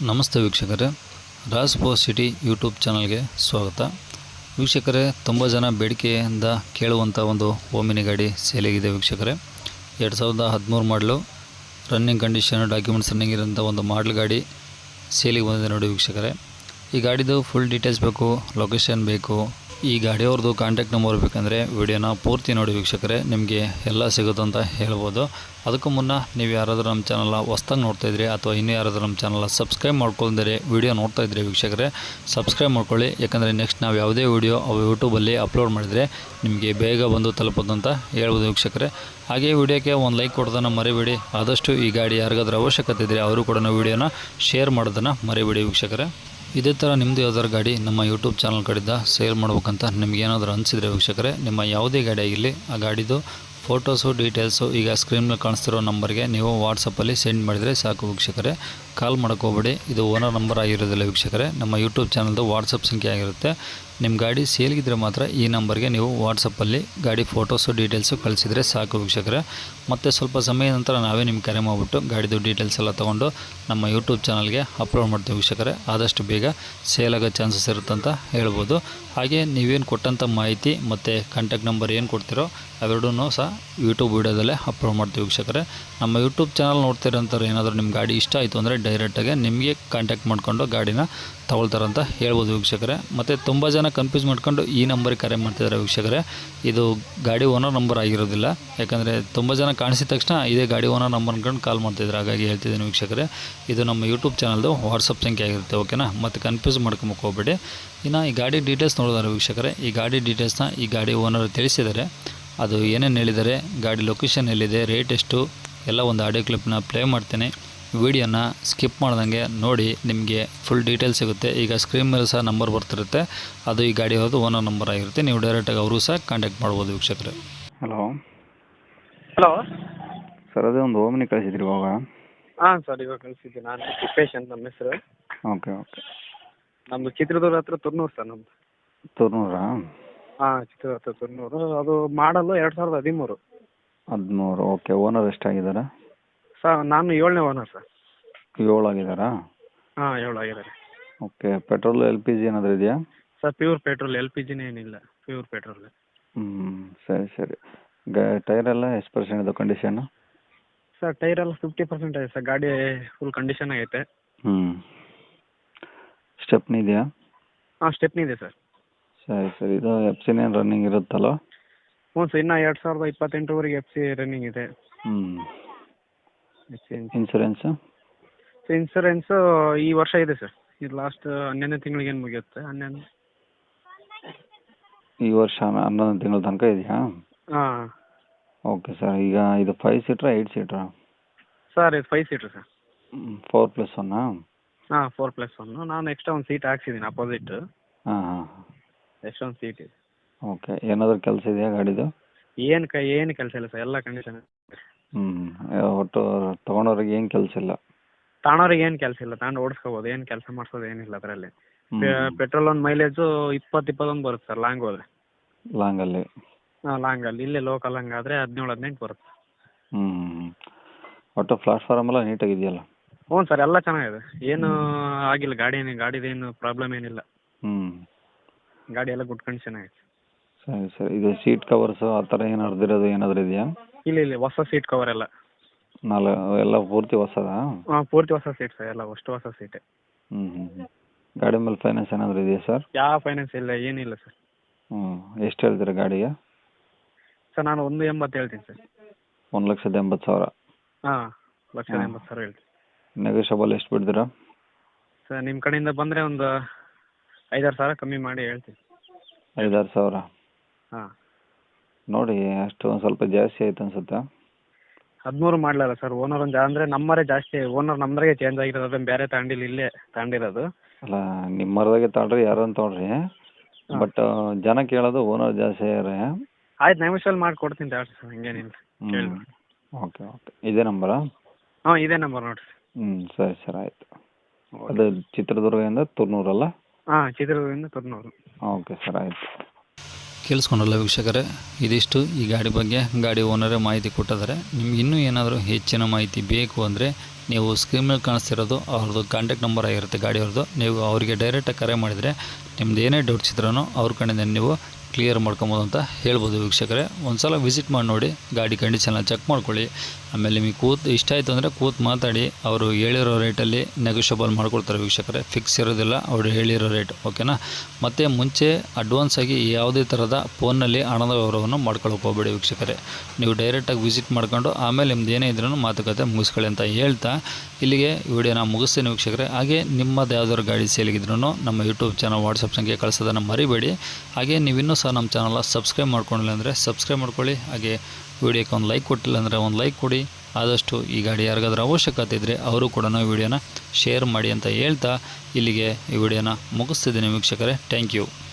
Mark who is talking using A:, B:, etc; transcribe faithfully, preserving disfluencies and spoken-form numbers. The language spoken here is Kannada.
A: ನಮಸ್ತೆ ವೀಕ್ಷಕರೇ, ರಾಜ್ ಪೋಸ್ಟ್ ಸಿಟಿ ಯೂಟ್ಯೂಬ್ ಚಾನಲ್ಗೆ ಸ್ವಾಗತ. ವೀಕ್ಷಕರೇ, ತುಂಬ ಜನ ಬೇಡಿಕೆಯಿಂದ ಕೇಳುವಂಥ ಒಂದು ಓಮಿನಿ ಗಾಡಿ ಸೇಲಿಗಿದೆ ವೀಕ್ಷಕರೇ. ಎರಡು ಸಾವಿರದ ಹದಿಮೂರು ಮಾಡಲು ರನ್ನಿಂಗ್ ಕಂಡೀಷನ್ ಡಾಕ್ಯುಮೆಂಟ್ಸ್ ರನ್ನಿಂಗ್ ಇರೋಂಥ ಒಂದು ಮಾಡಲ್ ಗಾಡಿ ಸೇಲಿಗೆ ಬಂದಿದೆ ನೋಡಿ ವೀಕ್ಷಕರೇ. ಈ ಗಾಡಿದು ಫುಲ್ ಡೀಟೇಲ್ಸ್ ಬೇಕು, ಲೊಕೇಶನ್ ಬೇಕು, ಈ ಗಾಡಿಯವ್ರದ್ದು ಕಾಂಟ್ಯಾಕ್ಟ್ ನಂಬರ್ ಬೇಕಂದರೆ ವಿಡಿಯೋನ ಪೂರ್ತಿ ನೋಡಿ ವೀಕ್ಷಕರೇ, ನಿಮಗೆ ಎಲ್ಲ ಸಿಗುತ್ತೆ ಅಂತ ಹೇಳ್ಬೋದು. ಅದಕ್ಕೂ ಮುನ್ನ ನೀವು ಯಾರಾದರೂ ನಮ್ಮ ಚಾನಲ್ನ ಹೊಸ್ದಾಗಿ ನೋಡ್ತಾಯಿದ್ರಿ ಅಥವಾ ಇನ್ನೂ ಯಾರಾದರೂ ನಮ್ಮ ಚಾನಲ್ನ ಸಬ್ಸ್ಕ್ರೈಬ್ ಮಾಡ್ಕೊಳ್ದರೆ ವಿಡಿಯೋ ನೋಡ್ತಾಯಿದ್ರಿ ವೀಕ್ಷಕರೇ, ಸಬ್ಸ್ಕ್ರೈಬ್ ಮಾಡ್ಕೊಳ್ಳಿ. ಯಾಕಂದರೆ ನೆಕ್ಸ್ಟ್ ನಾವು ಯಾವುದೇ ವಿಡಿಯೋ ಅವು ಯೂಟ್ಯೂಬಲ್ಲಿ ಅಪ್ಲೋಡ್ ಮಾಡಿದರೆ ನಿಮಗೆ ಬೇಗ ಬಂದು ತಲುಪೋದು ಅಂತ ಹೇಳ್ಬೋದು ವೀಕ್ಷಕರೇ. ಹಾಗೆ ವಿಡಿಯೋಕ್ಕೆ ಒಂದು ಲೈಕ್ ಕೊಡೋದನ್ನು ಮರಿಬೇಡಿ. ಆದಷ್ಟು ಈ ಗಾಡಿ ಯಾರಿಗಾದ್ರೂ ಅವಶ್ಯಕತೆ ಇದ್ದರೆ ಅವರು ಕೂಡ ವಿಡಿಯೋನ ಶೇರ್ ಮಾಡೋದನ್ನು ಮರಿಬೇಡಿ ವೀಕ್ಷಕರೇ. ಇದೇ ಥರ ನಿಮ್ಮದು ಯಾವ್ದಾದ್ರು ಗಾಡಿ ನಮ್ಮ ಯೂಟ್ಯೂಬ್ ಚಾನಲ್ ಕಡೆಯಿಂದ ಸೇಲ್ ಮಾಡ್ಬೇಕಂತ ನಿಮಗೇನಾದರೂ ಅನಿಸಿದರೆ ವೀಕ್ಷಕರೇ, ನಿಮ್ಮ ಯಾವುದೇ ಗಾಡಿ ಆಗಿರಲಿ ಆ ಗಾಡಿದು ಫೋಟೋಸು ಡೀಟೇಲ್ಸು ಈಗ ಸ್ಕ್ರೀನಲ್ಲಿ ಕಾಣಿಸ್ತಿರೋ ನಂಬರ್ಗೆ ನೀವು ವಾಟ್ಸಪ್ಪಲ್ಲಿ ಸೆಂಡ್ ಮಾಡಿದರೆ ಸಾಕು ವೀಕ್ಷಕರೇ. ಕಾಲ್ ಮಾಡೋಕ್ಕೆ ಹೋಗ್ಬೇಡಿ, ಇದು ಓನರ್ ನಂಬರ್ ಆಗಿರೋದಿಲ್ಲ ವೀಕ್ಷಕರೇ, ನಮ್ಮ ಯೂಟ್ಯೂಬ್ ಚಾನಲ್ದು ವಾಟ್ಸಪ್ ಸಂಖ್ಯೆ ಆಗಿರುತ್ತೆ. ನಿಮ್ಮ ಗಾಡಿ ಸೇಲ್ಗಿದ್ರೆ ಮಾತ್ರ ಈ ನಂಬರ್ಗೆ ನೀವು ವಾಟ್ಸಪ್ಪಲ್ಲಿ ಗಾಡಿ ಫೋಟೋಸು ಡೀಟೇಲ್ಸು ಕಳಿಸಿದರೆ ಸಾಕು ವೀಕ್ಷಕರೇ. ಮತ್ತು ಸ್ವಲ್ಪ ಸಮಯ ನಂತರ ನಾವೇ ನಿಮ್ಗೆ ಕರೆ ಮಾಡಿಬಿಟ್ಟು ಗಾಡಿದು ಡೀಟೇಲ್ಸ್ ಎಲ್ಲ ತೊಗೊಂಡು ನಮ್ಮ ಯೂಟ್ಯೂಬ್ ಚಾನಲ್ಗೆ ಅಪ್ಲೋಡ್ ಮಾಡ್ತೀವಿ ವೀಕ್ಷಕರೇ. ಆದಷ್ಟು ಬೇಗ ಸೇಲ್ ಆಗೋ ಚಾನ್ಸಸ್ ಇರುತ್ತಂತ ಹೇಳ್ಬೋದು. ಹಾಗೆ ನೀವೇನು ಕೊಟ್ಟಂಥ ಮಾಹಿತಿ ಮತ್ತು ಕಾಂಟ್ಯಾಕ್ಟ್ ನಂಬರ್ ಏನು ಕೊಡ್ತೀರೋ ಅವೆರಡೂ ಸಹ ಯೂಟ್ಯೂಬ್ ವೀಡಿಯೋದಲ್ಲೇ ಅಪ್ಲೋಡ್ ಮಾಡ್ತೀವಿ ವೀಕ್ಷಕರೇ. ನಮ್ಮ ಯೂಟ್ಯೂಬ್ ಚಾನಲ್ ನೋಡ್ತಿರೋಂಥವ್ರು ಏನಾದರೂ ನಿಮ್ಮ ಗಾಡಿ ಇಷ್ಟ ಆಯಿತು ಅಂದರೆ ಡೈರೆಕ್ಟಾಗಿ ನಿಮಗೆ ಕಾಂಟ್ಯಾಕ್ಟ್ ಮಾಡ್ಕೊಂಡು ಗಾಡಿನ ತಗೊಳ್ತಾರಂತ ಹೇಳ್ಬೋದು ವೀಕ್ಷಕರೇ. ಮತ್ತು ತುಂಬ ಜನ ಕನ್ಫ್ಯೂಸ್ ಮಾಡ್ಕೊಂಡು ಈ ನಂಬರಿಗೆ ಕರೆ ಮಾಡ್ತಿದ್ದಾರೆ ವೀಕ್ಷಕರೇ. ಇದು ಗಾಡಿ ಓನರ್ ನಂಬರ್ ಆಗಿರೋದಿಲ್ಲ, ಯಾಕಂದರೆ ತುಂಬ ಜನ ಕಾಣಿಸಿದ ತಕ್ಷಣ ಇದೇ ಗಾಡಿ ಓನರ್ ನಂಬರ್ ಅಂದ್ಕೊಂಡು ಕಾಲ್ ಮಾಡ್ತಿದ್ರು, ಹಾಗಾಗಿ ಹೇಳ್ತಿದ್ದೀನಿ ವೀಕ್ಷಕರೇ. ಇದು ನಮ್ಮ ಯೂಟ್ಯೂಬ್ ಚಾನಲ್ದು ವಾಟ್ಸಪ್ ಸಂಖ್ಯೆ ಆಗಿರುತ್ತೆ, ಓಕೆನಾ. ಮತ್ತು ಕನ್ಫ್ಯೂಸ್ ಮಾಡ್ಕೊಂಬಕ್ಕೆ ಹೋಗ್ಬೇಡಿ. ಇನ್ನು ಈ ಗಾಡಿ ಡೀಟೇಲ್ಸ್ ನೋಡಿದಾರೆ ವೀಕ್ಷಕರೇ. ಈ ಗಾಡಿ ಡೀಟೇಲ್ಸ್ನ ಈ ಗಾಡಿ ಓನರ್ ತಿಳಿಸಿದ್ದಾರೆ, ಅದು ಏನೇನು ಹೇಳಿದ್ದಾರೆ, ಗಾಡಿ ಲೊಕೇಶನ್ ಎಲ್ಲಿದೆ, ರೇಟ್ ಎಷ್ಟು ಎಲ್ಲ ಒಂದು ಆಡಿಯೋ ಕ್ಲಿಪ್ನ ಪ್ಲೇ ಮಾಡ್ತೇನೆ. ವಿಡಿಯೋನ ಸ್ಕಿಪ್ ಮಾಡ್ದಂಗೆ ನೋಡಿ, ನಿಮಗೆ ಫುಲ್ ಡೀಟೇಲ್ಸ್ ಸಿಗುತ್ತೆ. ಈಗ ಸ್ಕ್ರೀನ್ ಮೇಲೆ ಸಹ ನಂಬರ್ ಬರ್ತಿರುತ್ತೆ, ಅದು ಈ ಗಾಡಿ ಅವ್ರದ್ದು ಓನರ್ ನಂಬರ್ ಆಗಿರುತ್ತೆ. ನೀವು ಡೈರೆಕ್ಟಾಗಿ ಅವರು ಸಹ ಕಾಂಟ್ಯಾಕ್ಟ್ ಮಾಡ್ಬೋದು ವೀಕ್ಷಕರೇ.
B: ಹಲೋ
C: ಹಲೋ
B: ಸರ್, ಅದೇ ಒಂದು ಓಮಿನಿ ಕಳಿಸಿದ್ರಿ ಇವಾಗ.
C: ಹಾಂ ಸರ್, ಇವಾಗ ಕಳಿಸಿದ್ದೆ. ನಾನು ತಿಪ್ಪೇಶ್ ಅಂತ ನಮ್ಮ ಹೆಸರು.
B: ಓಕೆ ಓಕೆ
C: ನಮ್ಮದು ಚಿತ್ರದುರ್ಗ ಹತ್ರ ತುರ್ನೂರು ಸರ್ ನಮ್ಮದು.
B: ತುರ್ನೂರಾ?
C: ಹಾಂ, ಚಿತ್ರದುರ್ಗ ಹತ್ರ ತುರ್ನೂರು. ಅದು ಮಾಡಲು ಎರಡು ಸಾವಿರದ ಹದಿಮೂರು.
B: ಹದಿಮೂರು ಓಕೆ. ಓನರ್ ಎಷ್ಟಾಗಿದ್ದಾರೆ?
C: ಸರ್ ನಾನು ಏಳನೇ ಓನರ್ ಸರ್.
B: ಏಳು ಆಗಿದ್ದಾರಾ?
C: ಹಾಂ, ಏಳು ಆಗಿದ್ದಾರೆ.
B: Okay. Petrol L P G ಏನಾದರೂ ಇದೆಯಾ?
C: Sir pure petrol, L P ಜಿನೇ ಏನಿಲ್ಲ, ಪ್ಯೂರ್ ಪೆಟ್ರೋಲ್.
B: ಹ್ಞೂ ಸರಿ ಸರಿ. ಗ ಟೈರೆಲ್ಲ ಎಷ್ಟು ಪರ್ಸೆಂಟ್ ಇದೆ ಕಂಡೀಷನ್ನು?
C: ಸರ್ ಟೈರ್ ಎಲ್ಲ ಫಿಫ್ಟಿ ಪರ್ಸೆಂಟ್ ಇದೆ ಸರ್. ಗಾಡಿ ಫುಲ್ ಕಂಡೀಷನ್ ಆಗೈತೆ.
B: ಹ್ಞೂ. ಸ್ಟೆಪ್ನಿ ಇದೆಯಾ?
C: ಹಾಂ, ಸ್ಟೆಪ್ನಿ ಇದೆ ಸರ್.
B: ಸರಿ ಸರಿ. ಇದು ಎಫ್ ಸಿನೇನು ರನ್ನಿಂಗ್ ಇರುತ್ತಲ್ಲ?
C: ಹ್ಞೂ ಸರ್, ಇನ್ನೂ ಎರಡು ಸಾವಿರದ ಇಪ್ಪತ್ತೆಂಟರವರೆಗೆ ಎಫ್ ಸಿ ರನ್ನಿಂಗ್ ಇದೆ.
B: ಹ್ಞೂ. ಇನ್ಸೂರೆನ್ಸು?
C: ಸೊ ಇನ್ಸೂರೆನ್ಸು ಈ ವರ್ಷ ಇದೆ ಸರ್. ಇದು ಲಾಸ್ಟ್ ಹನ್ನೊಂದನೇ ತಿಂಗಳಿಗೆ ಏನು ಮುಗಿಯುತ್ತೆ, ಹನ್ನೊಂದು
B: ಈ ವರ್ಷ ಹನ್ನೊಂದು ತಿಂಗಳ ತನಕ ಇದೆಯಾ?
C: ಹಾಂ.
B: Okay sir. ಈಗ ಇದು ಫೈವ್ ಸೀಟ್ರಾ ಏಯ್ಟ್ ಸೀಟ್ರಾ?
C: ಸರ್ ಇದು five seater sir.
B: Four plus ಒನ್ನಾ?
C: ಹಾಂ, ಫೋರ್ ಪ್ಲಸ್ ಒನ್ನು. ನಾನು ಎಕ್ಸ್ಟ್ರಾ ಒಂದು ಸೀಟ್ ಹಾಕ್ಸಿದ್ದೀನಿ ಅಪೋಸಿಟ್.
B: ಹಾಂ ಹಾಂ.
C: ಎಕ್ಸ್ಟ್ರಾ ಒಂದು ಸೀಟ್ ಇದೆ.
B: ಓಕೆ. ಏನಾದರೂ ಕೆಲಸ ಇದೆಯಾ ಗಾಡಿದು?
C: ಏನು ಕ ಏನು ಕೆಲಸ ಇಲ್ಲ ಸರ್, ಎಲ್ಲ ಕಂಡೀಷನ್.
B: ಹ್ಞೂ. ಒಟ್ಟು ತೊಗೊಂಡವ್ರಿಗೆ ಏನು ಕೆಲಸ ಇಲ್ಲ?
C: ತಾಣೋರಿಗೆ ಏನು ಕೆಲಸ ಇಲ್ಲ, ತಾಂಡು ಓಡಿಸ್ಕೋಬೋದು, ಏನು ಕೆಲಸ ಮಾಡಿಸೋದು ಏನಿಲ್ಲ ಅದರಲ್ಲಿ. ಪೆಟ್ರೋಲ್ ಒಂದು ಮೈಲೇಜು ಇಪ್ಪತ್ತು ಇಪ್ಪತ್ತೊಂದು ಬರುತ್ತೆ ಸರ್ ಲಾಂಗ್ ಹೋದರೆ.
B: ಲಾಂಗಲ್ಲಿ?
C: ಹಾಂ, ಲಾಂಗಲ್ಲಿ. ಇಲ್ಲೇ ಲೋಕಲ್ ಹಂಗೆ ಆದರೆ ಹದಿನೇಳು ಹದಿನೆಂಟು ಬರುತ್ತೆ.
B: ಹ್ಞೂ. ಒಟ್ಟು ಪ್ಲಾಟ್ಫಾರ್ಮ್ ಎಲ್ಲ ನೀಟಾಗಿದೆಯಲ್ಲ?
C: ಹ್ಞೂ ಸರ್, ಎಲ್ಲ ಚೆನ್ನಾಗಿದೆ, ಏನು ಆಗಿಲ್ಲ. ಗಾಡಿ ಏನು ಗಾಡಿದೇನು ಪ್ರಾಬ್ಲಮ್ ಏನಿಲ್ಲ.
B: ಹ್ಞೂ.
C: ಗಾಡಿ ಎಲ್ಲ ಗುಡ್ ಕಂಡೀಷನ್ ಆಗೈತೆ.
B: ಸರಿ ಸರಿ. ಇದು ಸೀಟ್ ಕವರ್ಸು ಆ ಥರ ಏನು ಹರಿದಿರೋದು ಏನಾದರೂ ಇದೆಯಾ?
C: ಇಲ್ಲ ಇಲ್ಲ, ಹೊಸ ಸೀಟ್ ಕವರ್ ಎಲ್ಲ.
B: ನಾಲ್ಕು ಎಲ್ಲ ಪೂರ್ತಿ ಹೊಸದಾ?
C: ಹಾಂ, ಪೂರ್ತಿ ಹೊಸ ಸೀಟ್ ಸರ್, ಎಲ್ಲ ಅಷ್ಟು ಹೊಸ ಸೀಟೇ.
B: ಹ್ಞೂ ಹ್ಞೂ ಹ್ಞೂ. ಗಾಡಿ ಮೇಲೆ ಫೈನಾನ್ಸ್ ಏನಾದರೂ ಇದೆಯಾ ಸರ್?
C: ಯಾವ ಫೈನಾನ್ಸ್ ಇಲ್ಲ, ಏನಿಲ್ಲ ಸರ್.
B: ಹ್ಞೂ. ಎಷ್ಟು ಹೇಳ್ತೀರಾ ಗಾಡಿಗೆ?
C: ಸರ್ ನಾನು ಒಂದು ಎಂಬತ್ತು ಹೇಳ್ತೀನಿ ಸರ್.
B: ಒಂದು ಲಕ್ಷದ ಎಂಬತ್ತು ಸಾವಿರ?
C: ಹಾಂ, ಲಕ್ಷದ ಎಂಬತ್ತು ಸಾವಿರ ಹೇಳ್ತೀನಿ.
B: ನೆಗೋಷಿಯಬಲ್ ಎಷ್ಟು ಬಿಡ್ತೀರಾ?
C: ಸರ್ ನಿಮ್ಮ ಕಡೆಯಿಂದ ಬಂದರೆ ಒಂದು ಐದಾರು ಸಾವಿರ ಕಮ್ಮಿ ಮಾಡಿ ಹೇಳ್ತೀನಿ.
B: ಐದಾರು ಸಾವಿರ?
C: ಹಾಂ.
B: ನೋಡಿ, ಅಷ್ಟು ಒಂದು ಸ್ವಲ್ಪ ಜಾಸ್ತಿ ಆಯ್ತು ಅನ್ಸುತ್ತಾ?
C: ಹದಿಮೂರು ಮಾಡಲಲ್ಲ ಸರ್, ಓನರ್ ಒಂದು ಅಂದರೆ ನಮ್ಮರೇ ಜಾಸ್ತಿ, ಓನರ್ ನಮ್ಮದ್ರಾಗೆ ಚೇಂಜ್ ಆಗಿರೋದು, ಅದನ್ನು ಬೇರೆ ತಗೊಂಡಿಲ್ಲ, ಇಲ್ಲೇ ತಗೊಂಡಿರೋದು.
B: ಅಲ್ಲ, ನಿಮ್ಮ ಮರದಾಗೆ ತಗೊಳ್ರಿ, ಯಾರು ಅಂತ ತೊಗೊಳ್ರಿ. ಬಟ್ ಜನ ಕೇಳೋದು ಓನರ್ ಜಾಸ್ತಿ ಆಗ್ಯಾರೆ.
C: ಆಯ್ತು, ನೆಗೋಷಿಯಲ್ ಮಾಡಿ ಕೊಡ್ತೀನಿ ತಗೊಳ್ರಿ ಸರ್, ಹಂಗೇನಿಲ್ಲ. ಕೇಳಿ.
B: Okay okay. ಇದೇ ನಂಬರಾ?
C: ಹಾಂ, ಇದೇ ನಂಬರ್ ನೋಡಿರಿ.
B: ಹ್ಞೂ ಸರಿ ಸರ್, ಆಯಿತು. ಅದು ಚಿತ್ರದುರ್ಗದಿಂದ ತುರ್ನೂರಲ್ಲ?
C: ಹಾಂ, ಚಿತ್ರದುರ್ಗದಿಂದ ತುರ್ನೂರು.
B: ಓಕೆ ಸರ್, ಆಯಿತು.
A: ಕೇಳಿಸ್ಕೊಂಡಲ್ಲ ವೀಕ್ಷಕರೇ, ಇದಿಷ್ಟು ಈ ಗಾಡಿ ಬಗ್ಗೆ ಗಾಡಿ ಓನರೇ ಮಾಹಿತಿ ಕೊಟ್ಟಿದ್ದಾರೆ. ನಿಮ್ಗೆ ಇನ್ನೂ ಏನಾದರೂ ಹೆಚ್ಚಿನ ಮಾಹಿತಿ ಬೇಕು ಅಂದರೆ ನೀವು ಸ್ಕ್ರೀನ್ ಮೇಲೆ ಕಾಣಿಸ್ತಿರೋದು ಅವ್ರದ್ದು ಕಾಂಟ್ಯಾಕ್ಟ್ ನಂಬರ್ ಆಗಿರುತ್ತೆ ಗಾಡಿಯವ್ರದ್ದು. ನೀವು ಅವರಿಗೆ ಡೈರೆಕ್ಟಾಗಿ ಕರೆ ಮಾಡಿದರೆ ನಿಮ್ದು ಏನೇ ಡೌಟ್ಸ್ ಇದ್ರೂ ಅವ್ರ ಕಡೆಯಿಂದ ನೀವು ಕ್ಲಿಯರ್ ಮಾಡ್ಕೊಬೋದು ಅಂತ ಹೇಳ್ಬೋದು ವೀಕ್ಷಕರೇ. ಒಂದು ಸಲ ವಿಸಿಟ್ ಮಾಡಿ ನೋಡಿ, ಗಾಡಿ ಕಂಡೀಷನ್ನ ಚೆಕ್ ಮಾಡ್ಕೊಳ್ಳಿ. ಆಮೇಲೆ ನಿಮಗೆ ಕೂತು ಇಷ್ಟ ಆಯಿತು ಅಂದರೆ ಕೂತು ಮಾತಾಡಿ, ಅವರು ಹೇಳಿರೋ ರೇಟಲ್ಲಿ ನೆಗೋಷಿಯಬಲ್ ಮಾಡ್ಕೊಡ್ತಾರೆ ವೀಕ್ಷಕರೇ. ಫಿಕ್ಸ್ ಇರೋದಿಲ್ಲ ಅವರು ಹೇಳಿರೋ ರೇಟ್, ಓಕೆನಾ. ಮತ್ತು ಮುಂಚೆ ಅಡ್ವಾನ್ಸ್ ಆಗಿ ಯಾವುದೇ ಥರದ ಫೋನ್ನಲ್ಲಿ ಹಣದ ವ್ಯವಹಾರವನ್ನು ಮಾಡ್ಕೊಳ್ಳೋಕೆ ಹೋಗಬೇಡಿ ವೀಕ್ಷಕರೇ. ನೀವು ಡೈರೆಕ್ಟಾಗಿ ವಿಸಿಟ್ ಮಾಡ್ಕೊಂಡು ಆಮೇಲೆ ನಿಮ್ದು ಏನೇ ಇದ್ರೂ ಮಾತುಕತೆ ಮುಗಿಸ್ಕೊಳ್ಳಿ ಅಂತ ಹೇಳ್ತಾ ಇಲ್ಲಿಗೆ ವಿಡಿಯೋನ ಮುಗಿಸ್ತೀನಿ ವೀಕ್ಷಕರೇ. ಹಾಗೆ ನಿಮ್ಮದು ಯಾವ್ದಾದ್ರು ಗಾಡಿ ಸೇಲಿಗಿದ್ರೂ ನಮ್ಮ ಯೂಟ್ಯೂಬ್ ಚಾನಲ್ ವಾಟ್ಸಪ್ ಸಂಖ್ಯೆ ಕಳಿಸೋದನ್ನು ಮರಿಬೇಡಿ. ಹಾಗೆ ನೀವಿನ್ನೂ ಸಹ ನಮ್ಮ ಚಾನಲ್ನ ಸಬ್ಸ್ಕ್ರೈಬ್ ಮಾಡ್ಕೊಂಡಿಲ್ಲ ಅಂದರೆ ಸಬ್ಸ್ಕ್ರೈಬ್ ಮಾಡ್ಕೊಳ್ಳಿ. ಹಾಗೆ ವಿಡಿಯೋಕ್ಕೆ ಒಂದು ಲೈಕ್ ಕೊಟ್ಟಿಲ್ಲ ಅಂದರೆ ಒಂದು ಲೈಕ್ ಕೊಡಿ. ಆದಷ್ಟು ಈ ಗಾಡಿ ಯಾರಿಗಾದ್ರೂ ಅವಶ್ಯಕತೆ ಇದ್ದರೆ ಅವರು ಕೂಡ ವಿಡಿಯೋನ ಶೇರ್ ಮಾಡಿ ಅಂತ ಹೇಳ್ತಾ ಇಲ್ಲಿಗೆ ಈ ವಿಡಿಯೋನ ಮುಗಿಸ್ತಿದ್ದೀನಿ ವೀಕ್ಷಕರೇ. Thank you.